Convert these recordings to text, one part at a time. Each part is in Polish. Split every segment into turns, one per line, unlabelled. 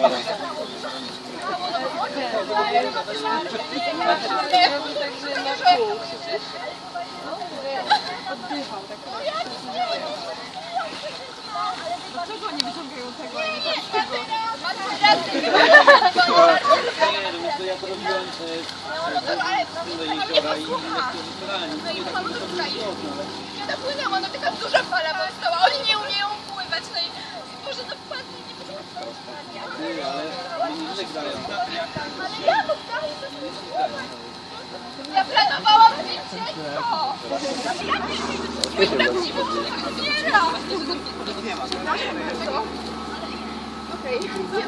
Oddycham tak. Dlaczego nie wyciągają tego?
Nie, ja to robiłem jeziora i
Ja dopłynęłam, no taka duża fala powstała, oni nie umieją pływać, no i może to wpadnie, nie
ale nie żegnają.
Ale ja powstaję, ja planowałam wycieczko! Okej,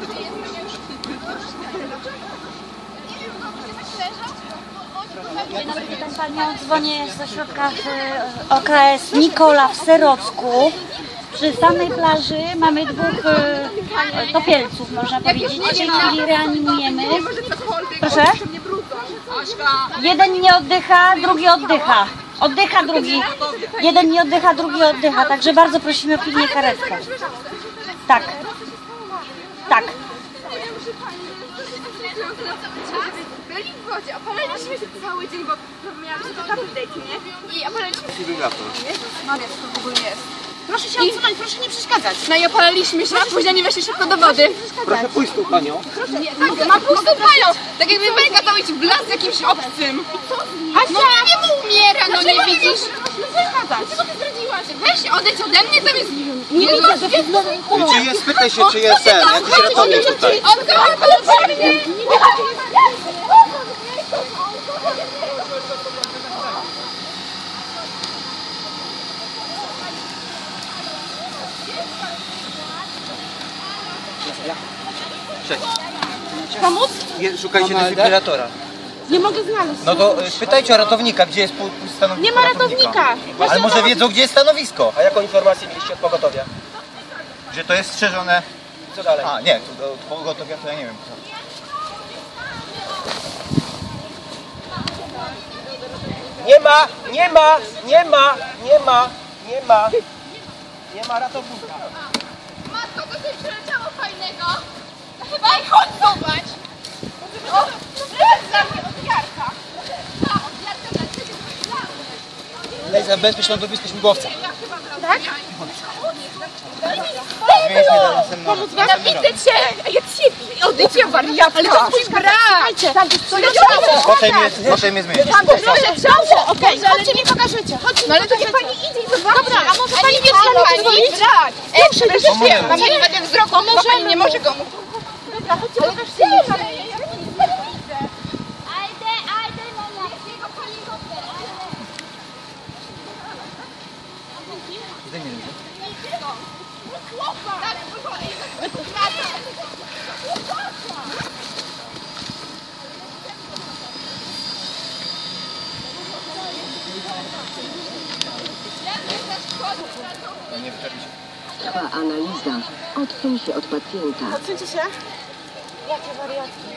Witam Panią, dzwonię z ośrodka OKS Nikola w Serocku. Przy samej plaży mamy dwóch topielców, można powiedzieć. W tej chwili reanimujemy. Proszę? Jeden nie oddycha, drugi oddycha. Oddycha drugi. Jeden nie oddycha, drugi oddycha. Także bardzo prosimy o pilnie karetkę. Tak. Tak.
Byli w wodzie, opalaliśmy się cały dzień, bo miałam się to update, nie? I opalaliśmy się. Maria, co to w ogóle jest?
Proszę się odsunąć, proszę nie przeszkadzać.
No i opalaliśmy się, a później nie weszli szybko do wody.
Proszę pójść tu, Panią.
Tak, ma pustą panią! Tak jakby Belka to iść w las z jakimś obcym. No nie mu umiera, no nie widzisz? Dlaczego ty zdradziłaś? Weź odejdź ode mnie, tam jest... Nie widzę,
Czy jest, spytaj się, czy jest ten, jakiś ratownik tutaj.
On kocha mnie!
Pomóc?
Szukajcie defibrylatora.
Nie mogę znaleźć.
No to pytajcie o ratownika, gdzie jest stanowisko.
Nie ma ratownika.
Ale może wiedzą, gdzie jest stanowisko. A jaką informację mieliście od pogotowia? Że to jest strzeżone. Co dalej? A, nie, to od pogotowia to ja nie wiem. Nie ma, nie ma, nie ma, nie ma, nie ma. Nie ma ratownika.
Matko, to coś przeleciało fajnego. Chyba i chodź zobacz. O, dla mnie od Jarka. Od Jarka dla ciebie.
Daj za bezpieczną lądowisko śmigłowca.
Tak?
Pomóc wam?
Nienawidzę cię! Ja ciebie! Odejdź, wariatka! Ale to twój brat!
Proszę mnie zmienić.
Okej, chodźcie mi pokażecie. Chodźcie
No ale to niech pani idzie i zobaczy.
Dobra, a może pani
nie
wie,
pani brat! Proszę, proszę, mam nie będę wzroku, bo pani nie może go mówić.
Dobra, chodźcie pokażcie.
Trwa analiza. Odsuń się od pacjenta.
Odsuńcie się. Jakie wariatki.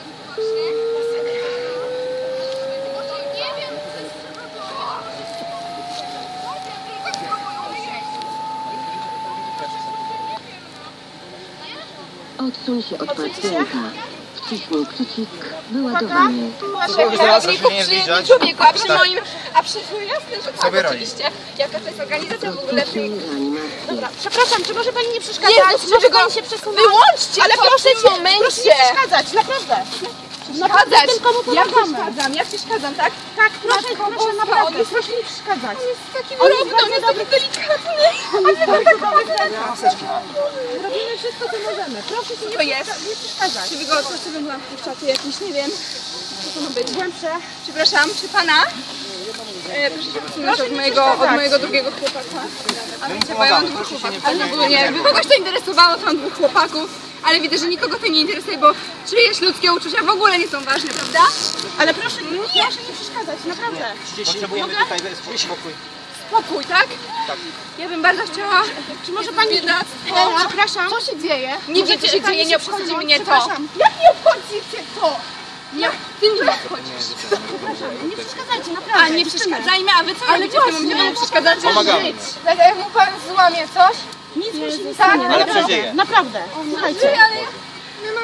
Odsuń się od pacjenta. Wciśnij przycisk wyładowany.
Kierowniku przy człowieku, a przy jasne, że tak,
Sobie
oczywiście. Jaka to jest organizacja w ogóle?
Stopnij reanimacji.
Dobra, przepraszam, czy może pani nie przeszkadzać?
Jezus,
Może
czego?
pani się przesunąć?
Wyłączcie
Ale
to
proszę
w tym
cię,
momencie.
proszę nie przeszkadzać, naprawdę.
Przeszkadzać!
Tylko mu
Ja
pomagamy.
przeszkadzam, ja przeszkadzam, tak?
Tak, proszę,
Matko
proszę,
Boska,
naprawdę,
on jest
proszę nie przeszkadzać.
taki
On jest
równy, on jest taki delikatny. A wy to tak
Robimy wszystko, co możemy. Proszę się
To
nie
jest.
przeszkadzać.
Czy wy go sobie byłam wpuszczacie jakieś, nie wiem, co to ma być?
Głębsze.
Przepraszam, czy pana? Proszę się odsunąć od mojego drugiego chłopaka. A wiecie, bo ja mam dwóch chłopaków. Ale ogólnie, jakby kogoś to interesowało, to mam dwóch chłopaków. Ale widzę, że nikogo to nie interesuje, bo czyjeś ludzkie uczucia w ogóle nie są ważne, prawda?
Ale proszę nie przeszkadzać, naprawdę.
Potrzebujemy tutaj spokój.
Spokój, tak?
Tak.
Ja bym bardzo chciała...
Czy może pani...
biedactwo.
Przepraszam. Co się dzieje?
Nie wiem, co się dzieje, nie obchodzi mnie to.
Przepraszam.
Jak nie obchodzi cię to? Nie, ty mnie obchodzisz.
Nie przeszkadzajcie, naprawdę.
A nie przeszkadzajmy, a wy co robicie w tym momencie? Panu przeszkadzacie
Pomagamy.
żyć. Tak jak mu pan złamie coś?
Nic mu się nie
Tak,
stanie,
ale
naprawdę.
przeżyje.
Naprawdę. Słuchajcie.
Ale my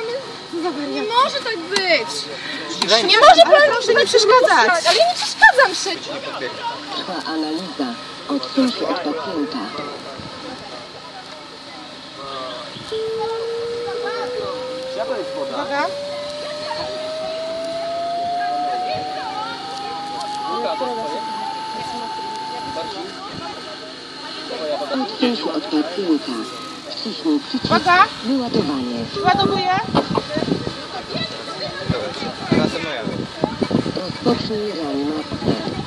Nie może tak być!
Nie może pan, proszę nie przeszkadzać.
Ale ja nie przeszkadzam przecież!
Trwa analiza. Odsuń się od pacjenta.
Uwaga.
Odsuń się od pacjenta. Wciśnij przycisk.
Uwaga.
Wyładowanie.
Ładowuję.
Następna ja.
Rozpocznij reanimację.